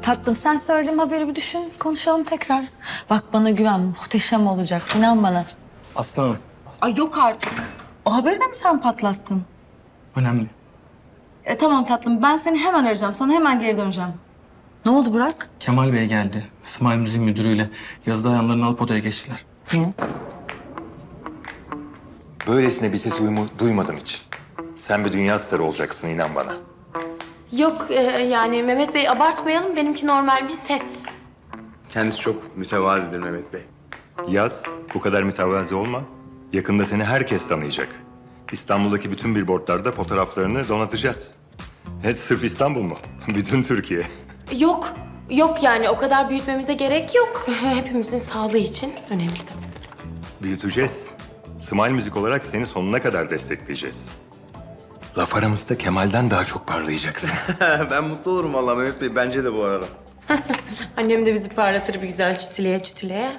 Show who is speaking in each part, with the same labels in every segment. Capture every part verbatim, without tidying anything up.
Speaker 1: Tatlım sen söylediğim haberi bir düşün, konuşalım tekrar. Bak bana güven, muhteşem olacak. İnan bana.
Speaker 2: Aslanım.
Speaker 1: Ay yok artık. O haberi de mi sen patlattın?
Speaker 2: Önemli.
Speaker 1: E tamam tatlım, ben seni hemen arayacağım. Sana hemen geri döneceğim. Ne oldu Burak?
Speaker 2: Kemal Bey geldi. Smile Müziğin müdürüyle yazıda ayağlarını alıp odaya geçtiler.
Speaker 1: Niye?
Speaker 3: Böylesine bir ses uyumu duymadım hiç. Sen bir dünya starı olacaksın, inan bana.
Speaker 4: Yok e, yani Mehmet Bey abartmayalım. Benimki normal bir ses.
Speaker 5: Kendisi çok mütevazidir Mehmet Bey.
Speaker 3: Yaz, bu kadar mütevazi olma. Yakında seni herkes tanıyacak. İstanbul'daki bütün billboardlarda fotoğraflarını donatacağız. Evet, sırf İstanbul mu? Bütün Türkiye.
Speaker 4: Yok, yok yani o kadar büyütmemize gerek yok. Hepimizin sağlığı için önemli tabii.
Speaker 3: Büyüteceğiz. Smile Müzik olarak seni sonuna kadar destekleyeceğiz. Laf aramızda Kemal'den daha çok parlayacaksın.
Speaker 5: Ben mutlu olurum vallahi Mehmet Bey. Bence de bu arada.
Speaker 4: Annem de bizi parlatır bir güzel çitileye çitileye.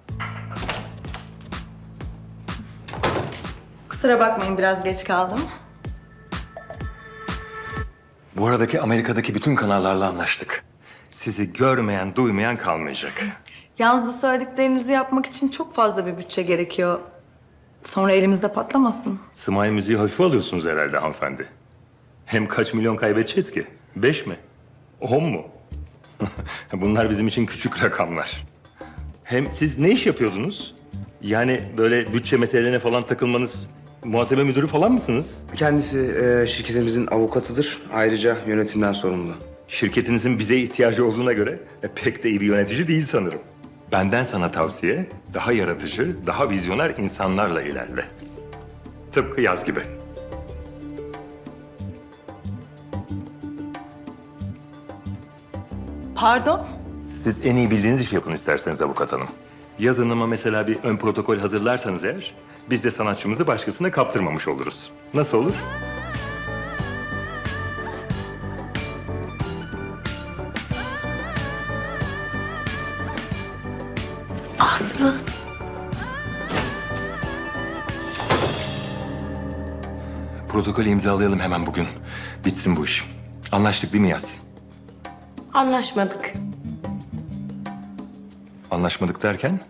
Speaker 1: Kusura bakmayın, biraz geç kaldım.
Speaker 3: Bu aradaki Amerika'daki bütün kanallarla anlaştık. Sizi görmeyen, duymayan kalmayacak.
Speaker 1: Yalnız bu söylediklerinizi yapmak için çok fazla bir bütçe gerekiyor. Sonra elimizde patlamasın.
Speaker 3: Smile Müziği hafife alıyorsunuz herhalde hanımefendi. Hem kaç milyon kaybedeceğiz ki? Beş mi? On mu? Bunlar bizim için küçük rakamlar. Hem siz ne iş yapıyordunuz? Yani böyle bütçe meselelerine falan takılmanız, muhasebe müdürü falan mısınız?
Speaker 5: Kendisi e, şirketimizin avukatıdır. Ayrıca yönetimden sorumlu.
Speaker 3: Şirketinizin bize ihtiyacı olduğuna göre e, pek de iyi bir yönetici değil sanırım. Benden sana tavsiye, daha yaratıcı, daha vizyoner insanlarla ilerle. Tıpkı Yaz gibi.
Speaker 1: Pardon?
Speaker 3: Siz en iyi bildiğiniz işi yapın isterseniz avukat hanım. Yaz Hanım'a mesela bir ön protokol hazırlarsanız eğer, biz de sanatçımızı başkasına kaptırmamış oluruz. Nasıl olur?
Speaker 4: Aslı.
Speaker 3: Protokolü imzalayalım hemen bugün. Bitsin bu iş. Anlaştık değil mi Yaz?
Speaker 4: Anlaşmadık.
Speaker 3: Anlaşmadık derken?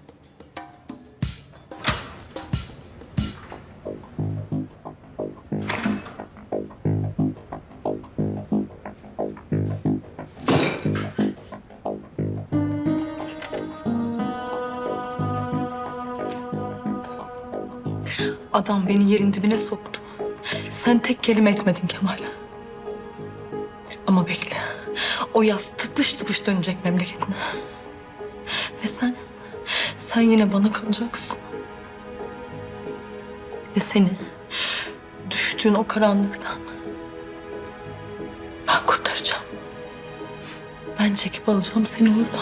Speaker 1: Adam beni yerin dibine soktu. Sen tek kelime etmedin Kemal. Ama bekle. O yaz tıpış tıpış dönecek memleketine. Ve sen, sen yine bana kalacaksın. Ve seni düştüğün o karanlıktan ben kurtaracağım. Ben çekip alacağım seni oradan.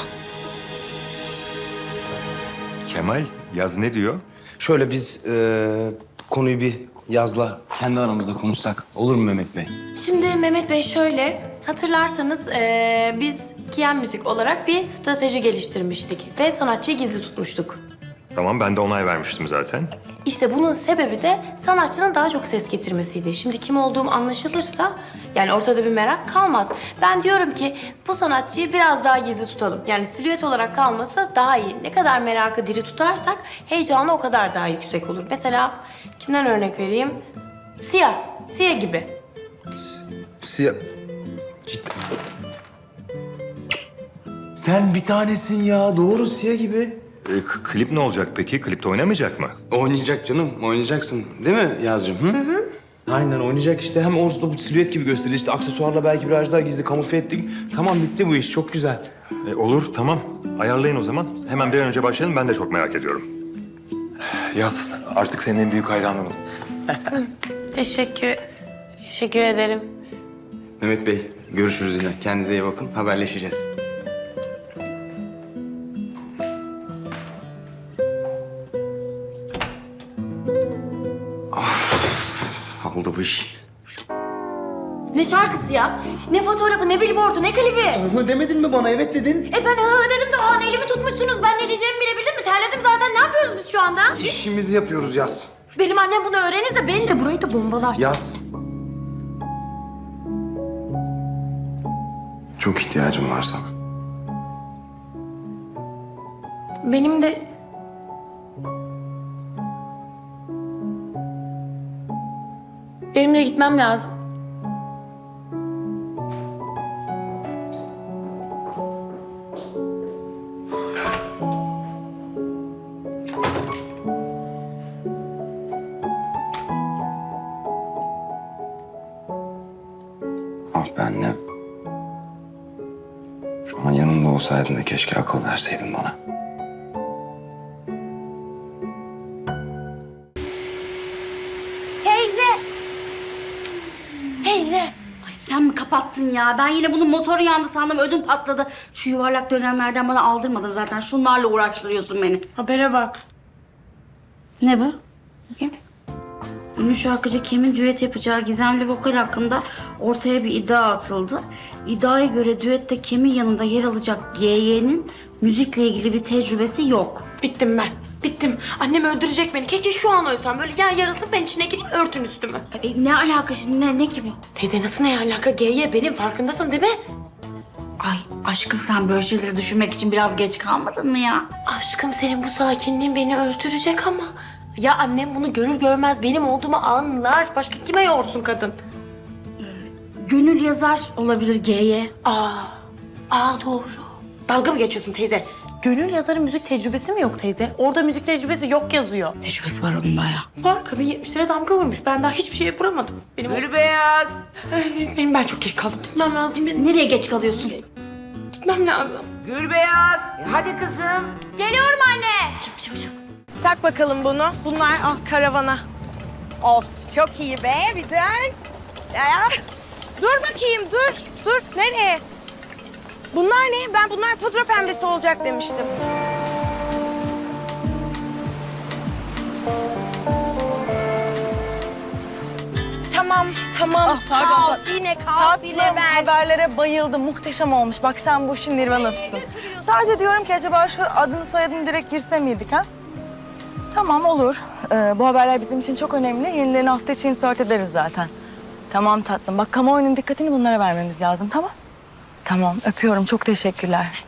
Speaker 3: Kemal, Yaz ne diyor?
Speaker 5: Şöyle biz e, konuyu bir Yaz'la kendi aramızda konuşsak olur mu Mehmet Bey?
Speaker 4: Şimdi Mehmet Bey şöyle, hatırlarsanız eee, biz Kiyen Müzik olarak bir strateji geliştirmiştik ve sanatçıyı gizli tutmuştuk.
Speaker 3: Tamam, ben de onay vermiştim zaten.
Speaker 4: İşte bunun sebebi de sanatçının daha çok ses getirmesiydi. Şimdi kim olduğum anlaşılırsa yani ortada bir merak kalmaz. Ben diyorum ki bu sanatçıyı biraz daha gizli tutalım. Yani silüet olarak kalması daha iyi. Ne kadar merakı diri tutarsak heyecanı o kadar daha yüksek olur. Mesela kimden örnek vereyim? Sia, Sia gibi.
Speaker 5: Siyah... Cidden. Sen bir tanesin ya. Doğru Siyah gibi.
Speaker 3: E, k- klip ne olacak peki? Klipte oynamayacak mı?
Speaker 5: Oynayacak canım. Oynayacaksın. Değil mi Yaz'cığım? Hı? Hı hı. Aynen oynayacak işte. Hem orada bu silüet gibi gösterir. İşte aksesuarla belki biraz daha gizli kamufle ettik. Tamam bitti bu iş. Çok güzel.
Speaker 3: E, olur, tamam. Ayarlayın o zaman. Hemen bir an önce başlayalım. Ben de çok merak ediyorum. Yaz, artık senin en büyük hayranınım.
Speaker 4: Teşekkür, teşekkür ederim.
Speaker 5: Mehmet Bey görüşürüz yine. Kendinize iyi bakın. Haberleşeceğiz. Ah, oldu bu iş.
Speaker 4: Ne şarkısı ya? Ne fotoğrafı, ne billboardu, ne klibi?
Speaker 5: Hı demedin mi bana? Evet dedin.
Speaker 4: E ben hı dedim de o an elimi tutmuşsunuz. Ben ne diyeceğimi bilebildim mi? Terledim zaten. Ne yapıyoruz biz şu anda?
Speaker 5: İşimizi yapıyoruz Yaz.
Speaker 4: Benim annem bunu öğrenirse beni de burayı da bombalar.
Speaker 5: Yaz. Çok ihtiyacım var sana.
Speaker 4: benim de... Benim de gitmem lazım.
Speaker 5: Ah be annem. Şu an yanımda olsaydın da keşke akıl verseydin bana.
Speaker 4: Teyze! Teyze!
Speaker 6: Ay sen mi kapattın ya? Ben yine bunun motoru yandı sandım, ödüm patladı. Şu yuvarlak dönenlerden bana aldırmadın zaten. Şunlarla uğraştırıyorsun beni.
Speaker 4: Habere bak.
Speaker 6: Ne bu? Bakayım. Ünlü şarkıcı Kim'in düet yapacağı gizemli vokal hakkında ortaya bir iddia atıldı. İddiaya göre düette Kim'in yanında yer alacak G Y'nin müzikle ilgili bir tecrübesi yok.
Speaker 4: Bittim ben. Bittim. Annem öldürecek beni. Keşke şu an ölsem. Böyle yer yarılsın ben içine gireyim örtün üstümü.
Speaker 6: E, ne alaka şimdi? Ne, ne ki bu?
Speaker 4: Teyze nasıl ne alaka? G Y benim farkındasın değil mi?
Speaker 6: Ay aşkım sen böyle şeyleri düşünmek için biraz geç kalmadın mı ya?
Speaker 4: Aşkım senin bu sakinliğin beni öldürecek ama. Ya annem bunu görür görmez benim olduğumu anlar. Başka kime yorsun kadın?
Speaker 6: Gönül yazar olabilir G Y.
Speaker 4: Aa, aa doğru. Dalga mı geçiyorsun teyze? Gönül yazarın müzik tecrübesi mi yok teyze? Orada müzik tecrübesi yok yazıyor.
Speaker 6: Tecrübesi var onun bayağı.
Speaker 4: Var kadın yetmişlere damga vurmuş. Ben daha hiçbir şey yapamadım. Benim
Speaker 7: Gül Beyaz.
Speaker 4: Benim ben çok geç kaldım. Gitmem lazım.
Speaker 6: Nereye geç kalıyorsun?
Speaker 4: Gitmem lazım.
Speaker 7: Gül Beyaz. E, hadi kızım.
Speaker 4: Geliyorum anne.
Speaker 6: Çıp çıp çıp.
Speaker 8: Tak bakalım bunu. Bunlar al karavana. Of çok iyi be bir dön. Ya. Dur bakayım dur. Dur nereye? Bunlar ne? Ben bunlar pudra pembesi olacak demiştim. Tamam, tamam.
Speaker 9: pardon,
Speaker 8: Kaos yine, kaos yine
Speaker 9: Tatlım,
Speaker 8: ben.
Speaker 9: haberlere bayıldım. Muhteşem olmuş. Bak sen bu işin nirvanasısın. Sadece diyorum ki acaba şu adını soyadını direkt girse miydik ha? Tamam olur. Ee, bu haberler bizim için çok önemli. Yenilerini hafta içi insert ederiz zaten. Tamam tatlım. Bak kamuoyunun dikkatini bunlara vermemiz lazım tamam? Tamam öpüyorum. Çok teşekkürler.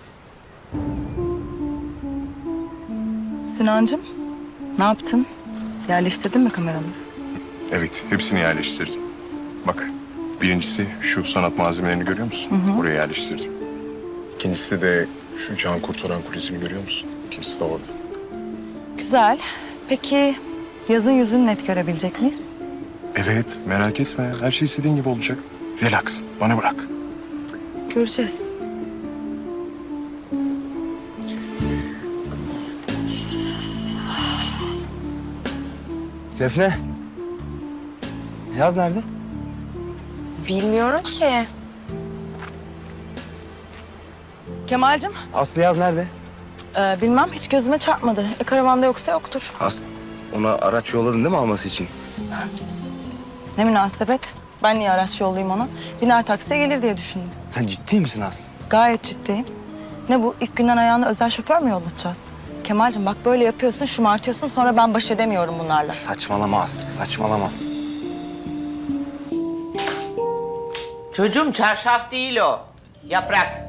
Speaker 9: Sinancığım ne yaptın? Yerleştirdin mi kameranı?
Speaker 10: Evet, hepsini yerleştirdim. Bak, birincisi şu sanat malzemelerini görüyor musun? Oraya yerleştirdim. İkincisi de şu can kurtaran kulesini görüyor musun? İkincisi de orada.
Speaker 9: Güzel. Peki yazın yüzünü net görebilecek miyiz?
Speaker 10: Evet, merak etme. Her şey istediğin gibi olacak. Relax, bana bırak.
Speaker 9: Göreceğiz.
Speaker 5: Defne. Yaz nerede?
Speaker 8: Bilmiyorum ki.
Speaker 9: Kemal'cim
Speaker 5: Aslı Yaz nerede?
Speaker 9: e, bilmem hiç gözüme çarpmadı. E, karavanda yoksa yoktur.
Speaker 5: Aslı. Ona araç yolladın değil mi alması için?
Speaker 9: Ne münasebet. Ben niye araç yollayayım ona? Biner taksiye gelir diye düşündüm.
Speaker 5: Sen ciddi misin Aslı?
Speaker 9: Gayet ciddiyim. Ne bu ilk günden ayağına özel şoför mü yollatacağız? Kemal'cim bak böyle yapıyorsun, şımartıyorsun sonra ben baş edemiyorum bunlarla.
Speaker 5: Saçmalama Aslı, saçmalama.
Speaker 7: Çocuğum çarşaf değil o. Yaprak.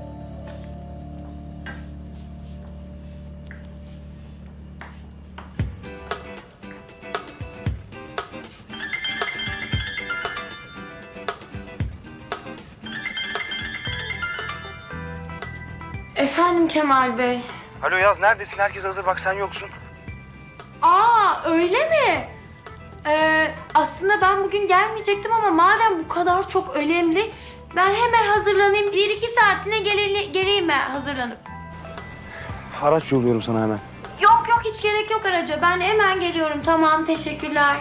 Speaker 4: Efendim Kemal Bey.
Speaker 5: Alo Yaz neredesin? Herkes hazır bak sen yoksun.
Speaker 4: Aa öyle mi? Ee, aslında ben bugün gelmeyecektim ama madem bu kadar çok önemli ben hemen hazırlanayım. Bir iki saatine gele- geleyim ben hazırlanıp.
Speaker 5: Araç yolluyorum sana hemen.
Speaker 4: Yok yok hiç gerek yok araca. Ben hemen geliyorum. Tamam teşekkürler.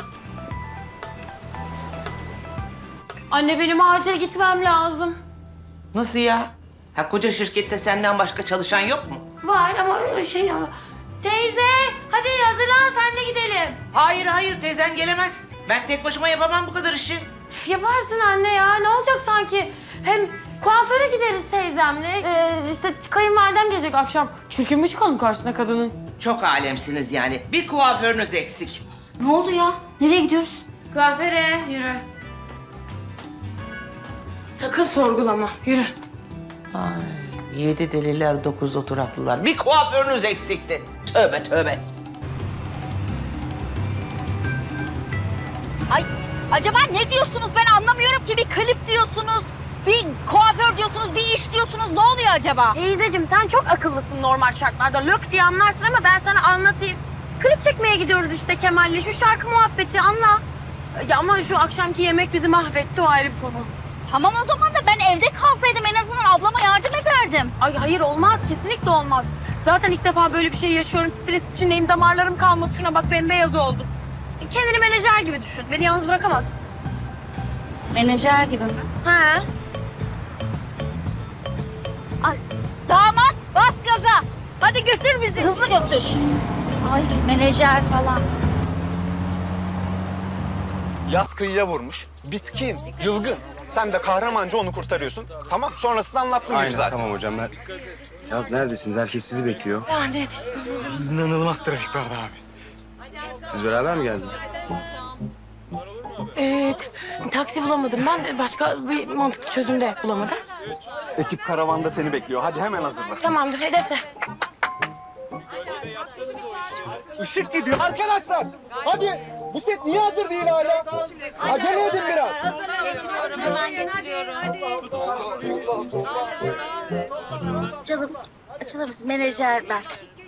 Speaker 4: Anne benim acil gitmem lazım.
Speaker 7: Nasıl ya? Ha koca şirkette senden başka çalışan yok mu?
Speaker 4: Var ama öyle şey ya. Teyze hadi hazırlan sen de gidelim.
Speaker 7: Hayır hayır teyzen gelemez. Ben tek başıma yapamam bu kadar işi.
Speaker 4: Yaparsın anne ya ne olacak sanki? Hem kuaföre gideriz teyzemle. Ee, işte kayınvalidem gelecek akşam. Çirkin mi çıkalım karşısına kadının?
Speaker 7: Çok alemsiniz yani. Bir kuaförünüz eksik.
Speaker 6: Ne oldu ya? Nereye gidiyoruz?
Speaker 4: Kuaföre yürü. Sakın sorgulama yürü.
Speaker 7: Ay. Yedi deliler, dokuz oturaklılar. Bir kuaförünüz eksikti. Tövbe tövbe.
Speaker 6: Ay acaba ne diyorsunuz ben anlamıyorum ki. Bir klip diyorsunuz, bir kuaför diyorsunuz, bir iş diyorsunuz. Ne oluyor acaba?
Speaker 4: Teyzeciğim sen çok akıllısın normal şartlarda. Lök diye anlarsın ama ben sana anlatayım. Klip çekmeye gidiyoruz işte Kemal'le. Şu şarkı muhabbeti anla. Ya ama şu akşamki yemek bizi mahvetti, o ayrı bir konu.
Speaker 6: Tamam o zaman da ben evde kalsaydım en azından ablama yardım ederdim.
Speaker 4: Ay hayır olmaz, kesinlikle olmaz. Zaten ilk defa böyle bir şey yaşıyorum. Stres içindeyim, damarlarım kalmadı. Şuna bak bembeyaz oldu. Kendini menajer gibi düşün. Beni yalnız bırakamazsın.
Speaker 6: Menajer gibi mi?
Speaker 4: He.
Speaker 6: Ay, damat bas gaza. Hadi götür bizi. Hızlı götür. Ay menajer falan.
Speaker 11: Yaz kıyıya vurmuş. Bitkin, yılgın. Sen de kahramanca onu kurtarıyorsun. Tamam, sonrasını anlattım gibi zaten.
Speaker 5: Tamam hocam ben... Yaz neredesiniz? Herkes sizi bekliyor.
Speaker 2: İnanılmaz trafik vardı abi.
Speaker 5: Siz beraber mi geldiniz?
Speaker 4: Evet, taksi bulamadım ben. Başka bir mantıklı çözüm de bulamadım.
Speaker 11: Ekip karavanda seni bekliyor. Hadi hemen hazırla.
Speaker 4: Tamamdır, hedef ne?
Speaker 11: Işık gidiyor. Arkadaşlar, hadi. Bu set niye hazır değil hala? Acele edin biraz.
Speaker 6: Canım açılır mısın? Menajer ben.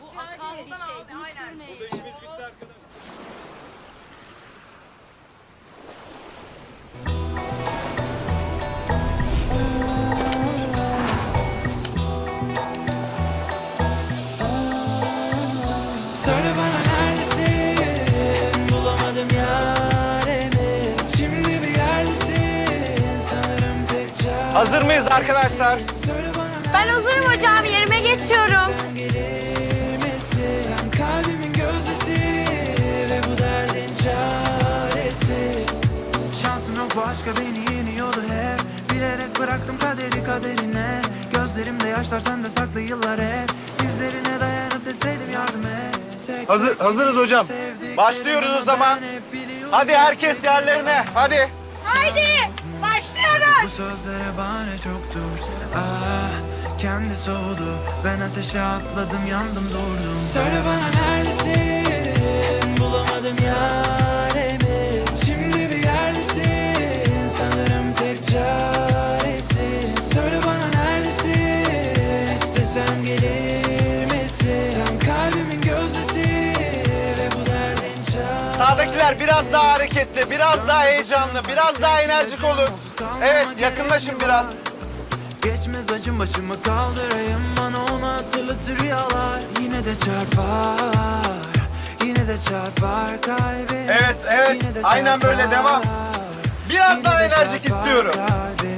Speaker 12: Söyle bana neredesin, bulamadım yarimi. Şimdi bir yerdesin, sanırım tek çare.
Speaker 11: Hazır mıyız arkadaşlar?
Speaker 12: Söyle bana
Speaker 4: Ben hazırım hocam, yerime geçiyorum.
Speaker 12: sen gelir misin? Sen kalbimin gözdesi ve bu derdin çaresi. Şansım yok başka, beni yeniyordu hep. Bilerek bıraktım kaderi kaderine. Gözlerimde yaşlar, sende saklı yıllar hep. Dizlerine dayanıp deseydim yardım et.
Speaker 11: Hazır, hazırız hocam. Başlıyoruz o zaman. Hadi herkes yerlerine, hadi.
Speaker 8: Haydi başlıyoruz.
Speaker 12: Bu sözlere bahane çoktur. Ah, kendi soğudu. Ben ateşe atladım, yandım durdum. Söyle bana neredesin? Bulamadım yarimi. Şimdi bir yerdesin. Sanırım tek çaresin. Söyle bana neredesin? İstesem gelir misin? Sen kalbimin gözdesi ve bu derdin çaresi.
Speaker 11: Sağdakiler biraz daha hareketli, biraz daha heyecanlı, biraz daha enerjik olun. Evet, yakınlaşın biraz.
Speaker 12: Geçmez acım, başımı kaldırayım, bana onu hatırlatır rüyalar. Yine de çarpar, yine de çarpar kalbim.
Speaker 11: Evet, evet.
Speaker 12: Yine de
Speaker 11: Aynen böyle,
Speaker 12: çarpar,
Speaker 11: devam. Biraz
Speaker 12: yine
Speaker 11: daha
Speaker 12: de
Speaker 11: enerjik
Speaker 12: çarpar
Speaker 11: istiyorum.
Speaker 12: kalbim.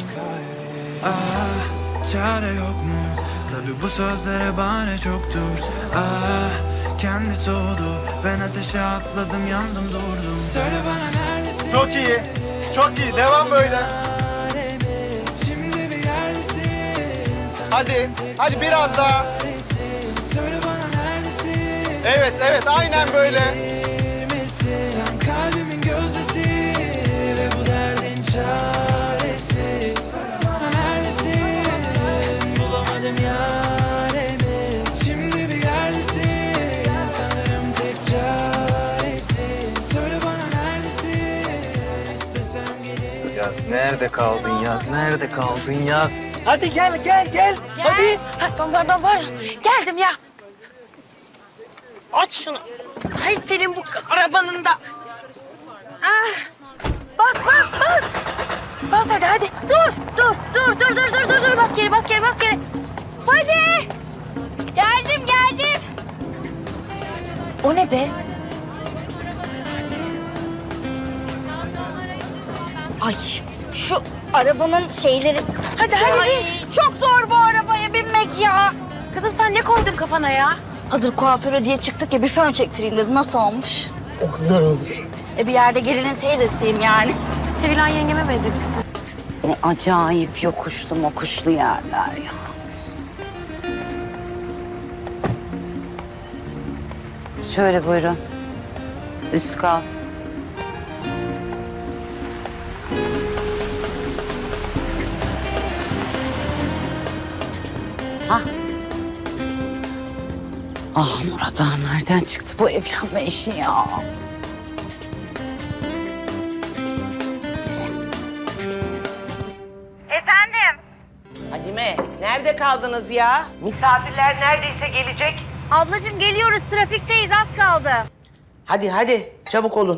Speaker 12: Ah, çare yok mu? Tabii bu sözlere bahane çoktur. Ah, kendi soğudu. Ben ateşe atladım, yandım durdum. Söyle bana neredesin?
Speaker 11: Çok iyi, çok iyi. Devam böyle.
Speaker 12: Şimdi bir yerdesin.
Speaker 11: Hadi, hadi biraz daha.
Speaker 12: Söyle bana neredesin?
Speaker 11: Evet, evet, aynen böyle.
Speaker 12: Sen kalbimin gözdesi ve bu derdin çaresi. Söyle bana neredesin? Bulamadım yarimi. Şimdi bir yerdesin. Sanırım tek çaresi. Söyle bana neredesin? İstesem gelir.
Speaker 2: Yaz nerede kaldın Yaz? Nerede kaldın Yaz?
Speaker 11: Hadi gel, gel, gel. Hadi.
Speaker 4: Pardon, pardon, pardon. Geldim ya. Aç şunu. Ay senin bu arabanın da. Ah. Bas, bas, bas. Bas hadi, hadi. Dur, dur, dur, dur, dur, dur, dur, dur. Bas geri, bas geri, bas geri. Hadi.
Speaker 6: Geldim geldim.
Speaker 4: O ne be?
Speaker 6: Ay şu arabanın şeyleri.
Speaker 4: Hadi, hadi.
Speaker 6: Ay çok zor bu arabaya binmek ya.
Speaker 4: Kızım sen ne koydun kafana ya?
Speaker 6: Hazır kuaföre diye çıktık ya bir fön çektireyim dedi. Nasıl olmuş?
Speaker 4: Oh, güzel olmuş.
Speaker 6: E bir yerde gelinin teyzesiyim yani.
Speaker 4: Sevilen yengeme benzemişsin.
Speaker 13: O acayip yokuşlu mokuşlu yerler ya. Şöyle buyurun. Üst kalsın. Ha? Ah Murat Ağa nereden çıktı bu evlenme işi ya?
Speaker 8: Efendim?
Speaker 7: Fadime, nerede kaldınız ya? Misafirler neredeyse gelecek.
Speaker 6: Ablacığım geliyoruz, trafikteyiz, az kaldı.
Speaker 7: Hadi hadi, çabuk olun.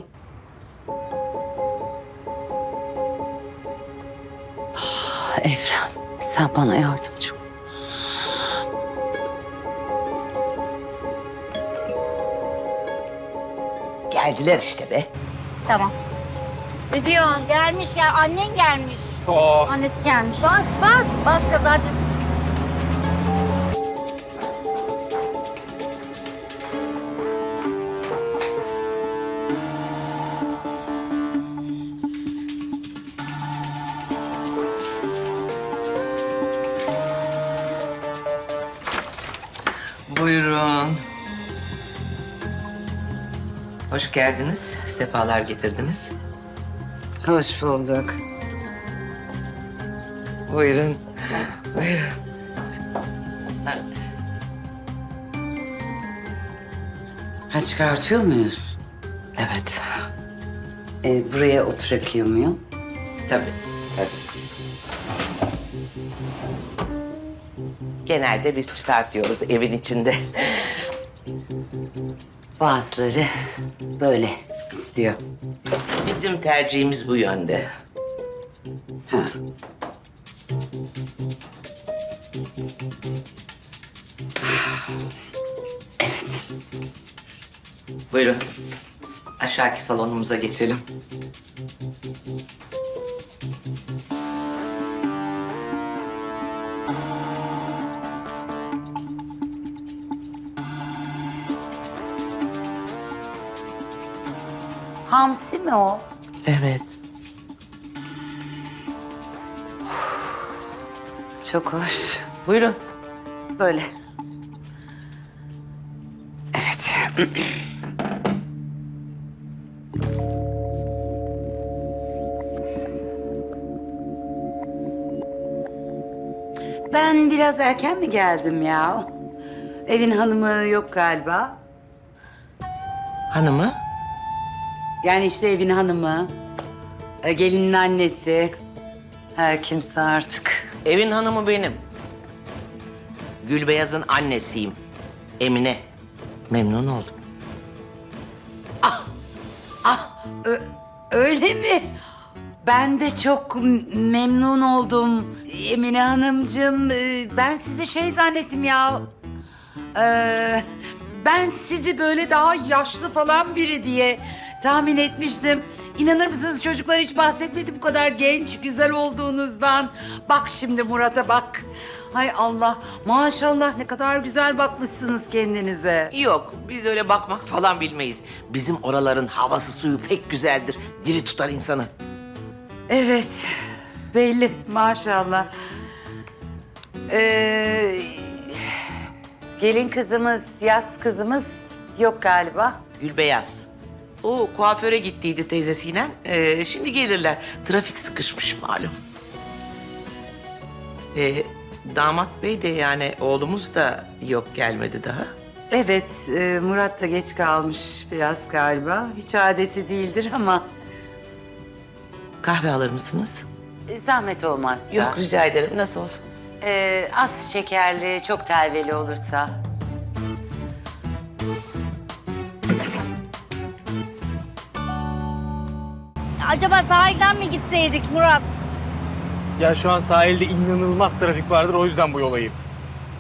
Speaker 13: Ah, Evren, sen bana yardımcı ol.
Speaker 7: Geldiler işte be.
Speaker 6: Tamam. Ne diyorsun? Gelmiş ya, annen gelmiş. Annesi gelmiş. Bas, bas. Bas kız hadi.
Speaker 7: Buyurun. Hoş geldiniz, sefalar getirdiniz.
Speaker 13: Hoş bulduk.
Speaker 7: Buyurun, buyurun.
Speaker 13: Ha çıkartıyor muyuz?
Speaker 7: Evet,
Speaker 13: Ee, buraya oturabiliyor muyum?
Speaker 7: tabii, tabii. Genelde biz çıkartıyoruz evin içinde.
Speaker 13: Bazıları böyle istiyor.
Speaker 7: Bizim tercihimiz bu yönde.
Speaker 13: Ha. Evet.
Speaker 7: Buyurun. Aşağıki salonumuza geçelim.
Speaker 13: Hamsi mi o?
Speaker 7: Evet.
Speaker 13: Çok hoş.
Speaker 7: Buyurun.
Speaker 13: Böyle. Evet. Ben biraz erken mi geldim ya? Evin hanımı yok galiba.
Speaker 7: Hanımı?
Speaker 13: Yani işte evin hanımı, e, gelinin annesi, her kimse artık.
Speaker 7: Evin hanımı benim. Gülbeyaz'ın annesiyim. Emine. Memnun oldum.
Speaker 13: Ah, ö- öyle mi? Ben de çok m- memnun oldum Emine Hanımcığım. Ee, Ben sizi şey zannettim ya. Ee, ben sizi böyle daha yaşlı falan biri diye tahmin etmiştim. İnanır mısınız çocuklar hiç bahsetmedi bu kadar genç, güzel olduğunuzdan. Bak şimdi Murat'a bak. Hay Allah, maşallah ne kadar güzel bakmışsınız kendinize.
Speaker 7: Yok, biz öyle bakmak falan bilmeyiz. Bizim oraların havası suyu pek güzeldir. Diri tutar insanı.
Speaker 13: Evet, belli maşallah. Ee, gelin kızımız, yaz kızımız yok galiba.
Speaker 7: Gülbeyaz. O kuaföre gittiydi teyzesiyle. Ee, şimdi gelirler. Trafik sıkışmış malum. Ee, damat bey de yani oğlumuz da yok gelmedi daha.
Speaker 13: Evet, e, Murat da geç kalmış biraz galiba. Hiç adeti değildir ama
Speaker 7: Kahve alır mısınız?
Speaker 13: e, zahmet olmazsa.
Speaker 7: Yok rica ederim. Nasıl olsun?
Speaker 13: Ee, az şekerli, çok telveli olursa.
Speaker 6: Acaba sahilden mi gitseydik Murat?
Speaker 2: Ya şu an sahilde inanılmaz trafik vardır, o yüzden bu yola girdim.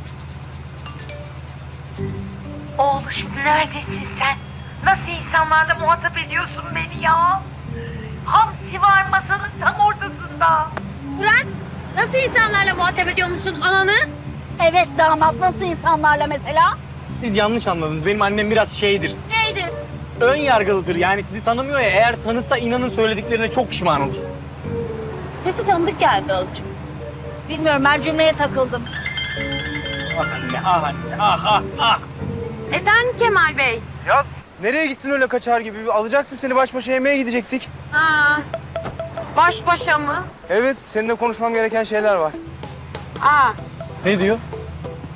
Speaker 6: Oğluşum neredesin sen? Nasıl insanlarla muhatap ediyorsun beni ya? Hamsi var masanın tam ortasında. Murat, nasıl insanlarla muhatap ediyor musun ananı? Evet damat, nasıl insanlarla mesela?
Speaker 2: Siz yanlış anladınız. Benim annem biraz şeydir,
Speaker 6: Neydi?
Speaker 2: ön yargılıdır. Yani sizi tanımıyor ya, eğer tanısa inanın söylediklerine çok pişman olur.
Speaker 6: Sesi tanıdık geldi azıcık. Bilmiyorum, ben cümleye takıldım.
Speaker 2: Ah anne, ah anne, ah ah ah.
Speaker 8: Efendim Kemal Bey?
Speaker 5: Ya nereye gittin öyle kaçar gibi? Alacaktım seni, baş başa yemeğe gidecektik.
Speaker 8: Ha. Baş başa mı?
Speaker 5: Evet, seninle konuşmam gereken şeyler var.
Speaker 8: Aa.
Speaker 2: Ne diyor?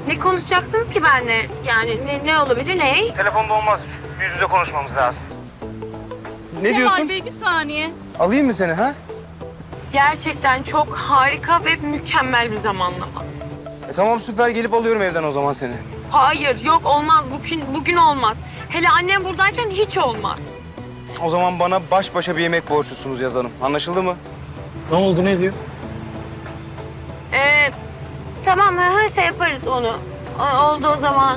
Speaker 4: Ne konuşacaksınız ki benimle? Yani ne, ne olabilir, ne?
Speaker 2: Telefonda olmaz. Yüz yüze konuşmamız lazım. Ne diyorsun?
Speaker 8: Bey bir saniye.
Speaker 2: Alayım mı seni ha?
Speaker 4: Gerçekten çok harika ve mükemmel bir zamanlama.
Speaker 2: E tamam süper, gelip alıyorum evden o zaman seni.
Speaker 4: Hayır, yok olmaz. Bugün bugün olmaz. Hele annem buradayken hiç olmaz.
Speaker 2: O zaman bana baş başa bir yemek borçlusunuz Yaz Hanım. Anlaşıldı mı? Ne oldu, ne diyor?
Speaker 4: Ee, tamam, her şey yaparız onu. O- oldu o zaman.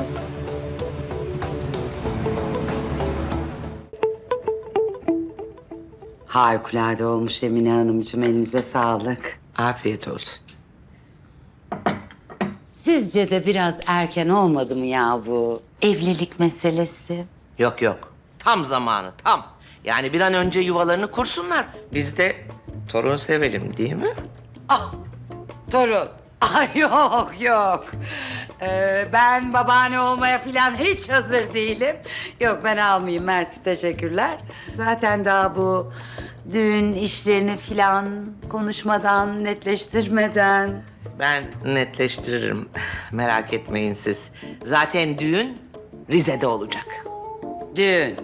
Speaker 13: Harikulade olmuş Emine Hanımcığım. Elinize sağlık.
Speaker 7: Afiyet olsun.
Speaker 13: Sizce de biraz erken olmadı mı ya bu evlilik meselesi?
Speaker 7: Yok yok. Tam zamanı tam. Yani bir an önce yuvalarını kursunlar. Biz de torun sevelim değil mi?
Speaker 13: Ah, torun. Ay yok yok. Ee, ben babaanne olmaya falan hiç hazır değilim. Yok ben almayayım, mersi, teşekkürler. Zaten daha bu düğün işlerini falan konuşmadan, netleştirmeden.
Speaker 7: Ben netleştiririm. Merak etmeyin siz. Zaten düğün Rize'de olacak.
Speaker 13: Düğün.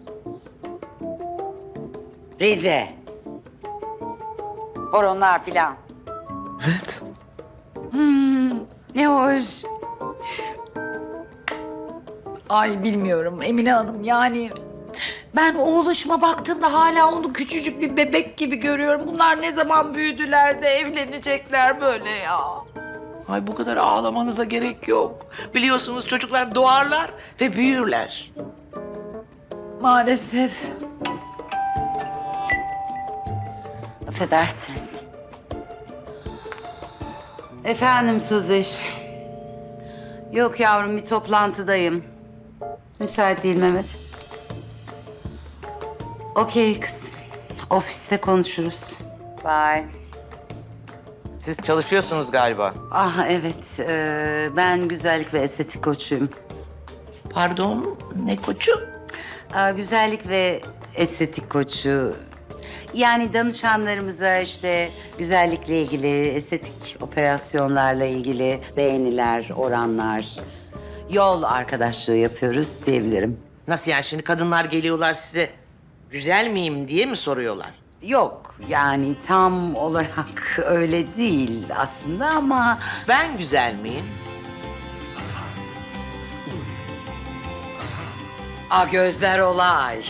Speaker 13: Rize. Horonlar filan.
Speaker 7: Evet.
Speaker 13: Hmm, ne hoş. Ay bilmiyorum Emine Hanım, yani ben oğluşuma baktığımda hala onu küçücük bir bebek gibi görüyorum. Bunlar ne zaman büyüdüler de evlenecekler böyle ya.
Speaker 7: Ay bu kadar ağlamanıza gerek yok. Biliyorsunuz çocuklar doğarlar ve büyürler.
Speaker 13: Maalesef. Affedersiniz. Efendim Suziş. Yok yavrum, bir toplantıdayım. Müsait değil Mehmet. Okey kız. Ofiste konuşuruz. Bye.
Speaker 7: Siz çalışıyorsunuz galiba.
Speaker 13: Ah evet, ee, ben güzellik ve estetik koçuyum.
Speaker 7: Pardon, ne koçu?
Speaker 13: Aa, güzellik ve estetik koçu. Yani danışanlarımıza işte güzellikle ilgili, estetik operasyonlarla ilgili beğeniler, oranlar, yol arkadaşlığı yapıyoruz diyebilirim.
Speaker 7: Nasıl yani, şimdi kadınlar geliyorlar size güzel miyim diye mi soruyorlar?
Speaker 13: Yok yani tam olarak öyle değil aslında ama...
Speaker 7: Ben güzel miyim?
Speaker 13: A gözler olay.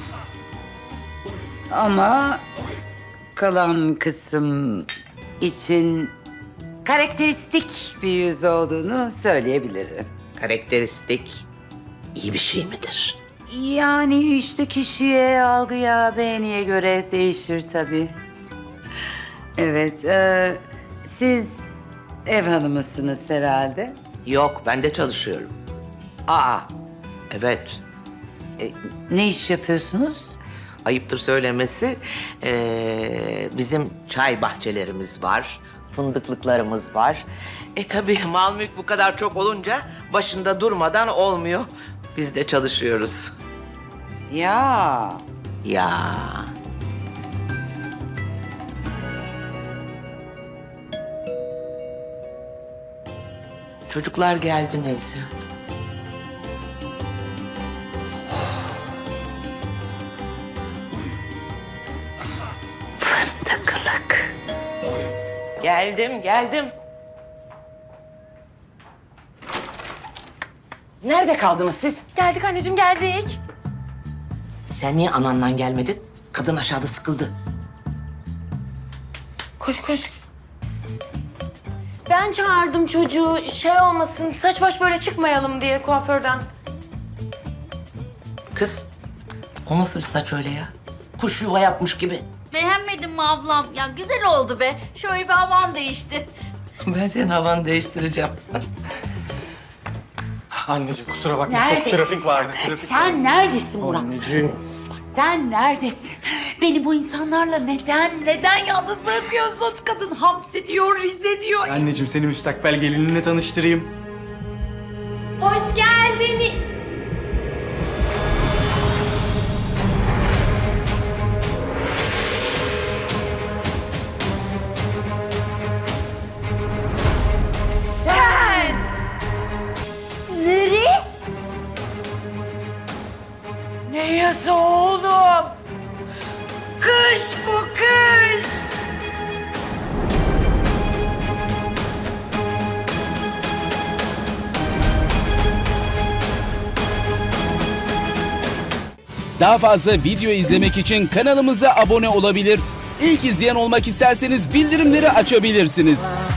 Speaker 13: Ama kalan kısım için karakteristik bir yüz olduğunu söyleyebilirim.
Speaker 7: Karakteristik iyi bir şey midir?
Speaker 13: Yani işte kişiye, algıya, beğeniye göre değişir tabii. Evet, e, siz ev hanımısınız herhalde.
Speaker 7: Yok, ben de çalışıyorum.
Speaker 13: Aa,
Speaker 7: Evet,
Speaker 13: e, ne iş yapıyorsunuz?
Speaker 7: ayıptır söylemesi. Ee, bizim çay bahçelerimiz var, fındıklıklarımız var. E tabii mal mülk bu kadar çok olunca başında durmadan olmuyor. Biz de çalışıyoruz.
Speaker 13: Ya,
Speaker 7: Ya. Çocuklar geldi neyse.
Speaker 13: fındıklık.
Speaker 7: Geldim, geldim. Nerede kaldınız siz?
Speaker 4: Geldik anneciğim, geldik.
Speaker 7: Sen niye anandan gelmedin? Kadın aşağıda sıkıldı.
Speaker 4: Koş koş. Ben çağırdım çocuğu, şey olmasın, saç baş böyle çıkmayalım diye kuaförden.
Speaker 7: Kız, o nasıl bir saç öyle ya? Kuş yuva yapmış gibi.
Speaker 6: Beğenmedin mi ablam? Ya güzel oldu be. Şöyle bir havam değişti.
Speaker 7: Ben senin havanı değiştireceğim.
Speaker 2: Anneciğim kusura bakma,
Speaker 13: Neredesin
Speaker 2: çok trafik vardı. Trafik
Speaker 13: Sen neredesin Murat?
Speaker 2: Anneciğim.
Speaker 13: Sen neredesin? Beni bu insanlarla neden, neden yalnız bırakıyorsun? Kadın Hamsi diyor, Rize diyor.
Speaker 2: Anneciğim seni müstakbel gelininle tanıştırayım.
Speaker 4: Hoş geldin.
Speaker 14: Daha fazla video izlemek için kanalımıza abone olabilir. İlk izleyen olmak isterseniz bildirimleri açabilirsiniz.